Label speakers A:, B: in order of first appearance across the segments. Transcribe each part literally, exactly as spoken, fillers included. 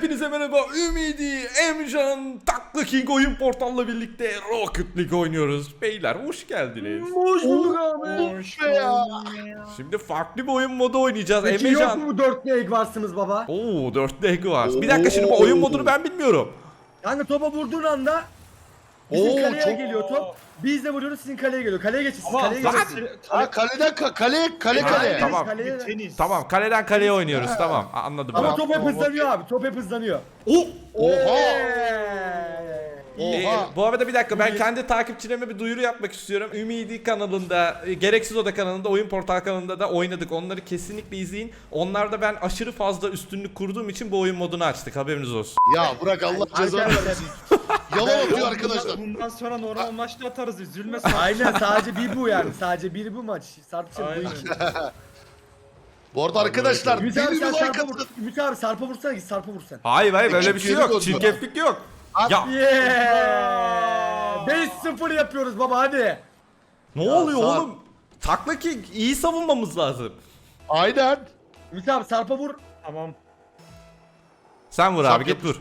A: Hepinize merhaba. Ümidi, Emcan, Takla King oyun portalla birlikte Rocket League oynuyoruz. Beyler hoş geldiniz.
B: Hoş bulduk abi.
C: Hoş ya.
A: Şimdi farklı bir oyun modu oynayacağız.
B: Peki yok
A: Emrecan.
B: mu dörtlü egg varsınız baba?
A: Oo, dörtlü egg var. Bir dakika, şimdi bu oyun modunu ben bilmiyorum.
B: Yani topa vurduğun anda bizim
C: Oo,
B: kaleye
C: çok-
B: geliyor top. Biz de vuruyoruz, sizin kaleye geliyor. Kaleye geçin siz,
C: Ama
B: kaleye
A: lan-
B: geçin.
C: Ha kaleden ka- kale kale
A: Ha,
C: kale.
A: tamam.
B: Kaleye...
C: Tenis.
A: Tamam, kaleden kaleye oynuyoruz. Tamam, anladım
B: Ama
A: ben.
B: top hep
C: Tamam,
B: hızlanıyor abi, top hep hızlanıyor.
A: Oo.
C: Oha.
A: Ee,
C: Oha.
A: bu arada bir dakika, ben kendi takipçilerime bir duyuru yapmak istiyorum. Ümidi kanalında, e, Gereksiz Oda kanalında, Oyun Portal kanalında da oynadık. Onları kesinlikle izleyin. Onlarda ben aşırı fazla üstünlük kurduğum için bu oyun modunu açtık. Haberiniz olsun.
C: Ya bırak Allah cezanı
B: Arkadaşlar-
C: versin. Yalan atıyor arkadaşlar.
D: Bundan sonra normal maçta atarız, üzülme.
B: Aynen, sadece bir bu yani. Sadece bir bu maç. Sarpçım bu
D: Aynen.
B: iki.
C: Bu arada arkadaşlar
B: Ümit
C: deli
B: abi
C: bir
B: sen
C: like
B: sarpa vur.
C: atın.
B: Ümit abi sarpa vursana, git sarpa vursan.
A: Hayır hayır, böyle bir şey yok.
C: Çirkeflik oldu.
A: Çirkeflik yok. Ya
B: Yeah! beş sıfır yapıyoruz baba, hadi.
A: ne
C: Ya,
A: oluyor
C: sağ-
A: oğlum? Takla King, iyi savunmamız lazım.
C: Aynen.
B: Ümit abi sarpa vur.
D: Tamam.
A: Sen vur
C: Sap
A: abi, git vur.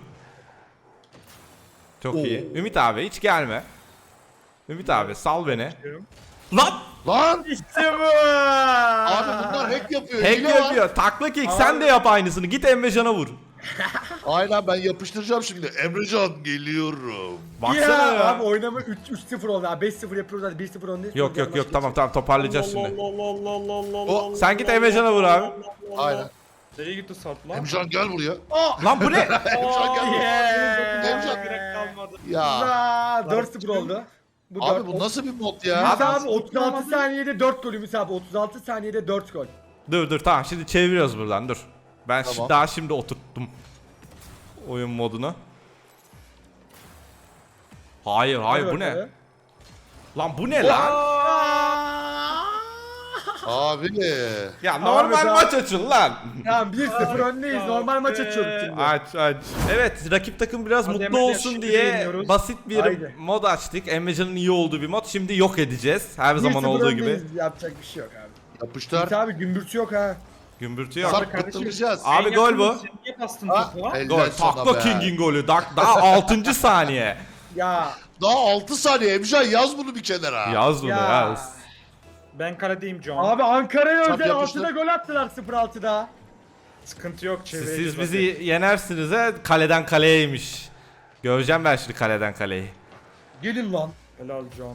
A: Çok iyi. Ümit abi hiç gelme. Ümit abi sal beni. Lan!
C: Lan
B: İşte bu.
C: abi bunlar hack yapıyor.
A: Hack
C: hile var.
A: yapıyor. Takla King, sen de yap aynısını. Git Emrecan'a vur.
C: Aynen, ben yapıştıracağım şimdi. Emrecan geliyorum.
A: Baksana
B: Ya,
A: ya.
B: abi oynama üç sıfır oldu abi, beş sıfır yapıyoruz hadi, bir sıfır öndeyiz.
A: Yok yok yok, tamam tamam, toparlayacağız şimdi.
C: O-
A: Sen git Emrecan'a vur abi.
C: Aynen.
D: Nereye gitti Sarp lan?
C: Emrecan gel buraya.
A: Lan bu ne?
C: Emrecan gel buraya.
B: Yeah.
C: Emrecan.
D: Gerek kalmadı.
C: Ya
B: Aa, dört sıfır oldu. Bu
C: abi
B: dört-
C: bu nasıl bir mod
B: Ümit
C: ya?
B: abi otuz altı saniyede dört gol, Ümit abi otuz altı saniyede dört gol.
A: Dur dur, tamam, şimdi çeviriyoruz buradan, dur. Ben
C: Tamam.
A: şi- daha şimdi oturttum oyun modunu. Hayır hayır, bu ne? Lan bu ne lan?
C: Abi.
A: Ya normal
B: Abi,
A: maç açın lan.
B: Tamam, bir sıfır öndeyiz, normal maç açıyoruz şimdi.
A: Aç aç. Evet, rakip takım biraz
D: Hadi
A: mutlu
D: Emrecan,
A: olsun
D: şimdi
A: diye
D: yeniyoruz.
A: basit bir
B: Haydi.
A: mod açtık. Emrecan'ın iyi olduğu bir mod. Şimdi yok edeceğiz. Her zaman
B: bir sıfır
A: olduğu gibi.
B: öndeyiz, yapacak bir şey yok abi.
C: Yapıştır.
B: Ümit abi gümbürtü yok ha.
A: Gümbürtü yok.
C: Sarp kıttıracağız.
A: Abi
D: En
A: gol
D: yakın
A: bu.
D: sen Niye bastın
C: Ha,
D: topu ha?
C: el-
A: Gol.
C: Helal sana
A: Takla
C: be.
A: King'in golü. Da- Daha altıncı saniye.
B: Ya
C: Daha altı saniye Emrecan, yaz bunu bir kenara.
A: Yaz bunu
B: ya.
A: yaz.
D: Ben kaledeyim John.
B: Abi Ankara'ya
C: Çap
B: özel
C: yapıştır.
B: altıda gol attılar, sıfır altıda.
D: Sıkıntı yok,
A: Siz,
D: çevireceğiz.
A: siz bizi yenersiniz ha. Kaleden kaleyeymiş. Göreceğim ben şimdi kaleden kaleyi.
B: Gelin lan.
D: Helal John.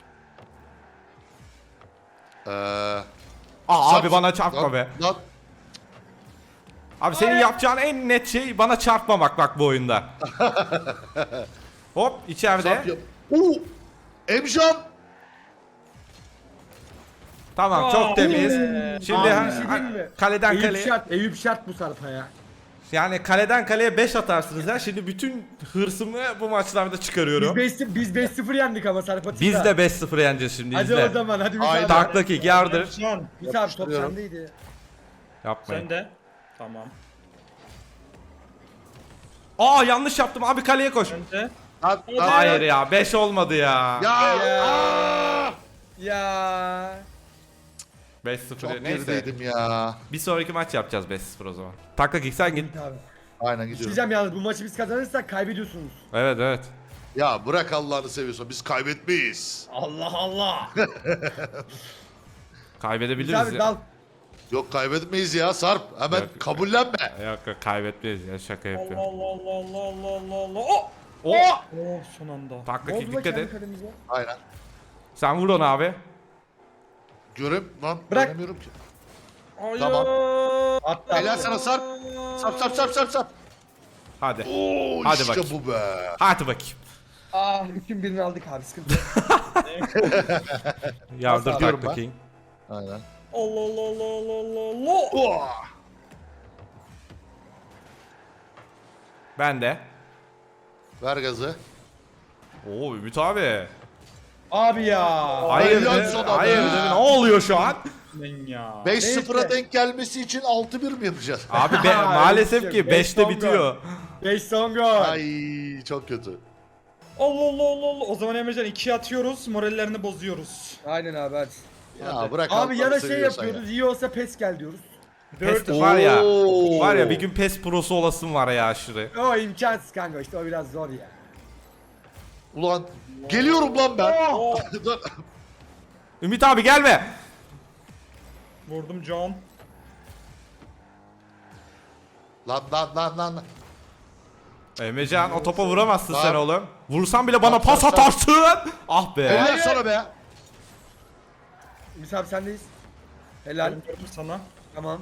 C: Ee,
A: Aa,
C: Sarp-
A: abi bana çarpma
C: lan-
A: be.
C: Lan,
A: Abi senin yapacağın en net şey bana çarpmamak bak bu oyunda. Hop, içeride.
C: Sarp yap. Oo! Emrecan.
A: Tamam, çok temiz. Şimdi
B: Abi
A: ha-
B: bir şey diyeyim mi?
A: kaleden
B: Eyüp
A: kaleye.
B: şart, Eyüp şart bu Sarp'a ya.
A: Yani kaleden kaleye beş atarsınız ha. Şimdi bütün hırsımı bu maçlarda
B: Biz
A: çıkarıyorum.
B: beş biz beş sıfır yendik ama Sarp'a.
A: Biz de beş sıfır yeneceğiz şimdi,
B: Hadi
A: izle.
B: o zaman, hadi bir
C: Haydi.
B: tane.
A: Takla King yardır.
D: John.
B: Bir abi top
C: Yapıştırıyorum.
B: sendeydi.
A: Yapmayın.
D: Sen de. Tamam.
A: Aa, yanlış yaptım abi, kaleye koş.
D: Sen de.
C: Lan, lan.
A: Hayır ya, beş olmadı ya.
C: Ya.
B: Ya.
C: Aa!
B: Ya.
A: beş sıfır
C: Çok
A: neyse.
C: gerideydim ya.
A: Bir sonraki maç yapacağız beş sıfır o zaman. Takla King sen git.
B: Abi.
C: Aynen gidiyorum.
B: Diyeceğim yalnız, bu maçı biz kazanırsak kaybediyorsunuz.
A: Evet evet.
C: Ya bırak Allah'ını seviyorsan, biz kaybetmeyiz.
B: Allah Allah.
A: Kaybedebiliriz
B: Biz abi
A: ya.
B: dal.
C: Yok kaybetmeyiz ya Sarp. Hemen
A: Yok.
C: kabullenme.
A: Yok yok, kaybetmeyiz ya, şaka
D: Allah
A: yapıyorum.
D: Allah Allah Allah Allah Allah Allah. Oh!
A: Oh!
D: Oh, son anda.
A: Takla
B: Ne
A: King
B: oldu lan
A: dikkat
B: kendi
A: et.
B: kalemize?
C: Aynen.
A: Sen vur onu abi.
C: Görüm lan.
B: Bırak.
C: Göremiyorum ki.
D: Hayır.
C: Tamam.
B: Hatta.
C: Helal sana Sarp. Sarp sarp sarp sarp sarp.
A: Hadi.
C: Oo
A: Hadi
C: işte
A: bakayım.
C: bu be.
A: Hadi bakayım.
B: Ah, üçün birini aldık abi, sıkıntı yok.
A: Yardır
B: Nasıl
C: alıyorum
A: Takla
C: ben?
A: King.
C: Aynen.
D: Allah Allah Allah Allah Allah Allah.
C: Oh.
A: Ben de.
C: Ver gazı.
A: Oo, Ümit abi.
B: Abi ya.
A: Hayır
C: helal
A: be,
C: sana
A: hayır
C: be.
A: be. Ne oluyor şu an?
D: Ben ya.
C: beş sıfıra
B: Neyse.
C: denk gelmesi için altı bir mi yapacağız?
A: Abi be, maalesef
B: Beş
A: ki
B: beş
A: beşte
B: son
A: bitiyor.
B: beş son gol.
C: Ay çok kötü.
D: Allah Allah Allah Allah. O zaman Emrecan ikiye atıyoruz, morallerini bozuyoruz.
B: Aynen abi, hadi.
C: Ya
D: Hadi.
C: bırak
B: Abi ya da
C: Allah'ını
B: şey
C: seviyorsan
B: yapıyoruz, iyi olsa pes gel diyoruz.
A: Pes
D: Dört.
A: var ya.
C: Oo.
A: Var ya bir gün PES prosu olasın var ya aşırı.
B: O imkansız kanka işte o biraz zor ya.
C: Ulan geliyorum lan ben.
D: Oh.
C: Dur.
A: Ümit abi gelme.
D: Vurdum John.
C: Lan lan lan lan. lan.
A: Emrecan o topa vuramazsın
C: Lan.
A: sen oğlum. Vursan bile bana
C: Lan,
A: pas
C: sen-
A: atarsın. Ah be.
C: Helal sana be.
B: Ümit abi sendeyiz. Helal.
D: Vurdum sana.
B: Tamam.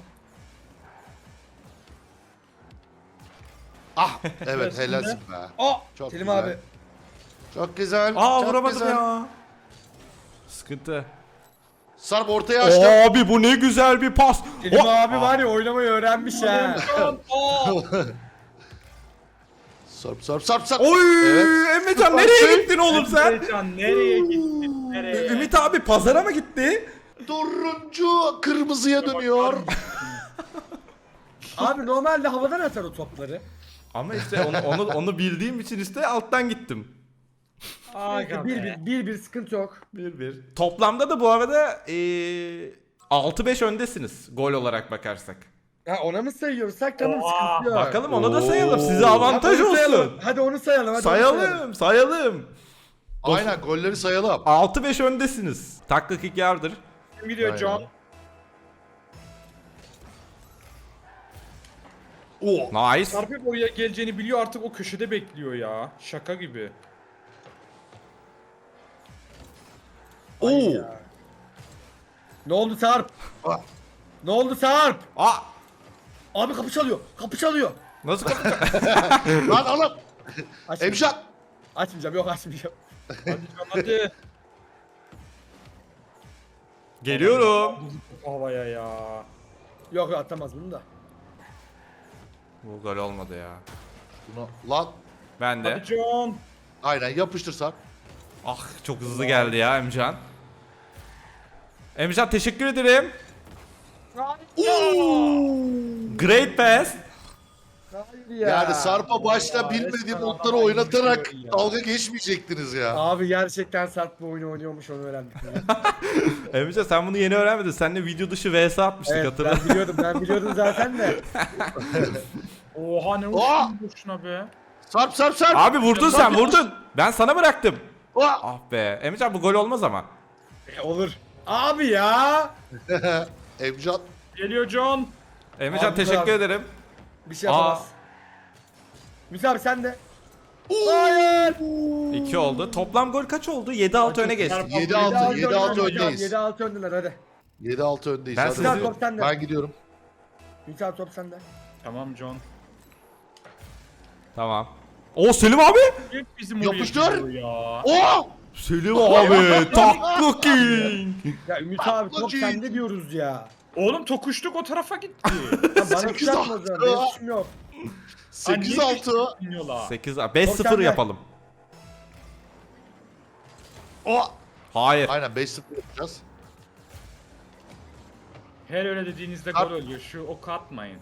C: Ah evet helalsin be.
D: Aa.
C: Çok
B: Selim
C: güzel.
B: abi.
C: Çok güzel.
A: Aa
C: çok
A: vuramadım
C: güzel.
A: ya. Sıkıntı.
C: Sarp ortaya açtım.
A: Abi bu ne güzel bir pas.
B: Selim
A: Oh!
B: abi var ya oynamayı öğrenmiş ha.
D: John. Aa.
C: Sarp sarp sarp sarp.
A: Oy
C: Evet.
A: Emrecan nereye gittin oğlum sen?
D: Emrecan nereye gittin? Nereye?
A: Ümit abi pazara mı gitti?
C: Turuncu kırmızıya dönüyor.
B: Abi normalde havadan atar o topları.
A: Ama işte onu onu, onu bildiğim için işte alttan gittim.
D: Aga
B: bir,
D: be.
B: bir, bir, bir sıkıntı yok.
A: bir bir. Toplamda da bu arada ee, altı beş öndesiniz gol olarak bakarsak.
B: Ha ona mı sayıyorsak tamam
D: Oha,
B: sıkıntı yok.
A: Bakalım ona da sayalım.
C: Oo.
A: Size
B: Hadi
A: avantaj
B: onu sayalım.
A: olsun.
B: Hadi onu sayalım. Hadi onu sayalım.
A: Sayalım, sayalım.
C: Aynen golleri sayalım.
A: altı beş öndesiniz. Takla kick yardır.
D: Kim gidiyor John?
C: Aynen. Oo.
A: Nice.
D: Sarp hep oraya geleceğini biliyor artık o köşede bekliyor ya. Şaka gibi.
C: Oo.
B: Ne oldu Sarp?
C: Ah.
B: Ne oldu Sarp?
A: Aa,
B: Abi kapı çalıyor. Kapı çalıyor.
A: nasıl kapatacak?
C: Lan oğlum.
B: Açmayacağım.
C: Emşak.
B: Açmayacağım. Yok açmayacağım.
D: Hadi John hadi.
A: Geliyorum.
D: Havaya ya.
B: Yok yok atamaz bunu da.
A: Bu gol olmadı ya.
C: Bunu lan.
A: Ben de.
D: Hadi John.
C: Aynen yapıştır Sarp.
A: Ah çok hızlı geldi ya Emcan. Emcan teşekkür ederim. Great pass.
B: Hayır ya.
C: Yani Sarp'a başta bilmediğim
B: resmen
C: notları
B: adam
C: oynatarak
B: oynuyor ya.
C: dalga geçmeyecektiniz ya.
B: Abi gerçekten Sarp bu oyunu oynuyormuş onu öğrendik.
A: Emcan sen bunu yeni öğrenmedin. Seninle video dışı V S atmıştık
B: Evet
A: hatırla.
B: ben biliyordum ben biliyordum zaten de.
D: Oha ne
C: Aa!
D: uçtun boşuna be.
C: Sarp Sarp Sarp.
A: Abi vurdun sen
C: Sarp,
A: vurdun. Ben sana bıraktım.
C: Aa!
A: Ah be. Emcan bu gol olmaz ama.
B: E, olur. Abi ya.
C: Emcan.
D: Geliyor John.
A: Emcan
B: Abi,
A: teşekkür
B: abi.
A: ederim.
B: Bir şey yapamaz.
A: Aa.
B: Ümit abi sen de. Hayır.
A: iki oldu. Toplam gol kaç oldu? yedi altı öne geçtik.
C: yedi altı yedi altı öndeyiz.
B: yedi altı öndeler hadi.
C: yedi altı öndeyiz.
A: Ben
C: Hadi.
A: sizi-
B: Ümit abi top sende.
C: Ben gidiyorum.
B: Ümit abi top sende.
D: Tamam John.
A: Tamam. O Selim abi.
D: Hep bizim
C: Yapıştır.
D: oraya gidiyor ya.
C: Oo!
A: Selim abi. Takla king.
B: Ya Ümit abi top
C: Ablacığım.
B: sende diyoruz ya.
D: Oğlum tokuştuk o tarafa gitti.
B: Ya bana
C: Sekiz
B: kuşatma o
C: altı.
B: zaman. Benim suçum yok.
C: sekiz altı.
D: Bilmiyorlar.
A: sekiz beş sıfır
B: Korkan
A: yapalım.
C: O!
A: Hayır.
C: Aynen beş sıfır yapacağız.
D: Her öyle dediğinizde
C: At-
D: gol oluyor. Şu oku atmayın.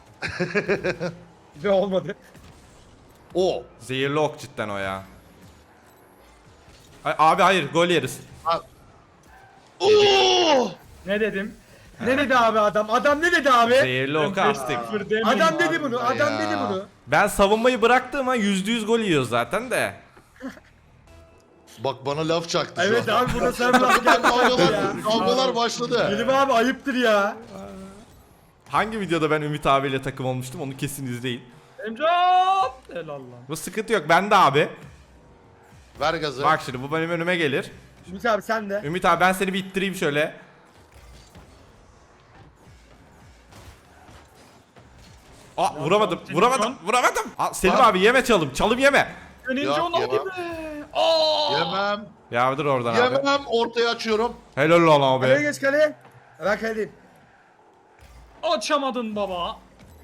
B: Ve olmadı.
C: O!
A: Zehirli ok cidden o ya. Ay, abi hayır gol yeriz.
C: Oo!
D: Ne dedim?
B: Ne dedi abi adam? Adam ne dedi abi?
A: Zehirli oku attık.
D: Sıfır demeyin
B: Adam
D: abi.
B: dedi bunu. Adam
C: ya.
B: dedi bunu.
A: Ben savunmayı bıraktığım yüzde yüz gol yiyor zaten de.
C: Bak bana laf çaktı şu
B: Evet
C: an.
B: abi burada sen laf geldi ya.
C: Kavgalar, kavgalar başladı.
B: Selim abi ayıptır ya.
A: Hangi videoda ben Ümit abiyle takım olmuştum onu kesin izleyin.
D: Emcan! Helal lan.
A: Bu sıkıntı yok bende abi.
C: Ver gazı.
A: Bak şimdi bu benim önüme gelir.
B: Ümit abi sen de.
A: Ümit abi ben seni bir ittireyim şöyle. Aa vuramadım,
D: Selim
A: vuramadım,
D: Can.
A: vuramadım. Aa, Selim
C: Lan.
A: abi yeme çalım, çalım yeme.
D: Dönünce
C: Yok,
D: onu
C: yemem.
D: aldı be. Aa!
C: Yemem.
A: Yardır oradan abi.
C: Yemem. Ortaya açıyorum.
A: Helal lan
B: Kaleye
A: abi.
B: geç kaleye. Ben kaledeyim.
D: Açamadın baba.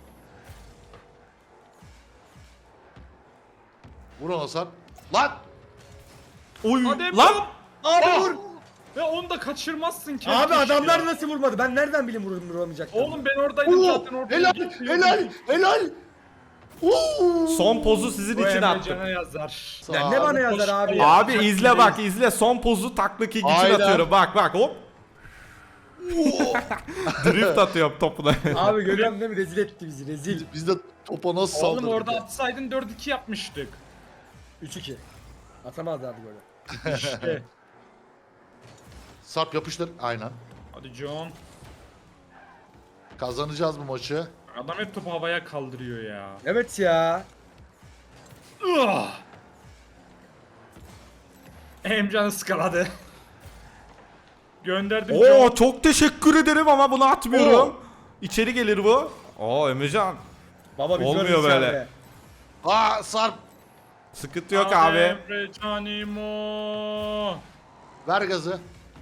C: Vur ona Sarp. Lan!
A: Oy
D: Hadi
A: lan.
D: Emcan.
B: Abi
D: Ah!
B: vur.
D: Ve onu da kaçırmazsın ki.
B: Abi adamlar nasıl vurmadı? Ben nereden bileyim vur vuramayacaklar?
D: Oğlum ben oradaydım
C: Oo!
D: zaten orada.
C: Helal! Helal! Helal! Oo!
A: Son pozu sizin
D: Bu
A: için attım.
D: Emrecan'a yazar.
B: Ya ne bana yazar abi ya?
A: Abi izle bak izle son pozu takla kick için
C: Aynen.
A: atıyorum bak bak hop. Drift atıyorum topuna.
B: Abi görüyorsun değil mi? Rezil etti bizi rezil.
C: Biz de topa nasıl
D: Oğlum
C: saldırdık?
D: orada atsaydın dört iki yapmıştık.
B: üç iki. Atamazdı abi böyle.
D: İşte.
C: Sarp yapıştır. Aynen.
D: Hadi John.
C: Kazanacağız bu maçı.
D: Adam hep topu havaya kaldırıyor ya.
B: Evet ya.
D: Ugh. Emcan ıskaladı. Gönderdim
A: Oo
D: John.
A: çok teşekkür ederim ama bunu atmıyorum.
B: Oo.
A: İçeri gelir bu. Oo Emrecan.
B: Baba biz
A: Olmuyor
B: görürüz
A: böyle.
B: yani.
C: Aa Sarp.
A: Sıkıntı yok
D: Hadi
A: abi.
D: Emrecan İmo.
C: Ver gazı.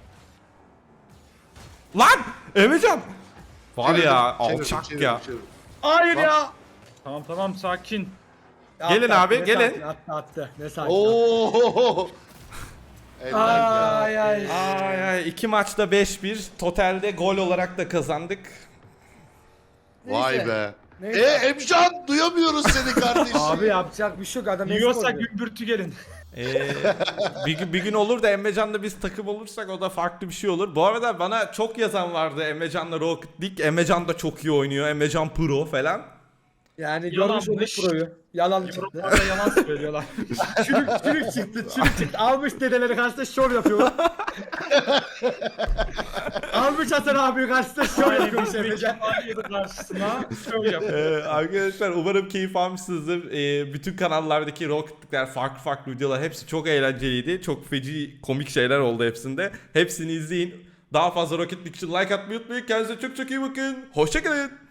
A: Lan Emrecan. Var
C: Çevirdim,
A: ya
C: çevirdim,
A: alçak
C: çevirdim,
A: ya.
C: çevirdim.
B: Hayır
C: Bak.
B: ya.
D: Tamam tamam sakin.
A: Gelin
B: Attı,
A: abi,
B: attı, ne
A: gelin.
B: sakin, Attı attı. Ne sakin.
C: Oo.
B: Ay ay.
A: Ay ay iki maçta beş bir. Totalde gol olarak da kazandık.
C: Vay
B: Neyse.
C: be.
B: Neyse.
C: E Emcan duyamıyoruz seni kardeşim.
B: Abi yapacak bir şey yok adam eski
D: Yiyorsa
B: oynuyor.
D: gümbürtü gelin.
A: Ee, bir, gün, bir gün olur da Emrecan'la biz takım olursak o da farklı bir şey olur. Bu arada bana çok yazan vardı Emrecan'la Rocket League. Emrecan da çok iyi oynuyor. Emrecan Pro falan.
B: Yani
D: Yalanmış.
B: görmüş olduk proyu. Yalan çıktı.
D: Yorumlarda yalan söylüyorlar.
B: çürük çürük çıktı çürük çıktı. Almış dedeleri karşısında şov yapıyor. Almış Hasan abi karşısında şov
D: Aynen
B: yapıyormuş
D: biz bir
B: Emrecan.
D: yedi karşısına şöyle yapıyor.
A: Ee, arkadaşlar umarım keyif almışsınızdır. Ee, bütün kanallardaki Rocket League'ler farklı farklı videolar hepsi çok eğlenceliydi. Çok feci komik şeyler oldu hepsinde. Hepsini izleyin. Daha fazla Rocket League için like atmayı unutmayın. Kendinize çok çok iyi bakın. Hoşçakalın.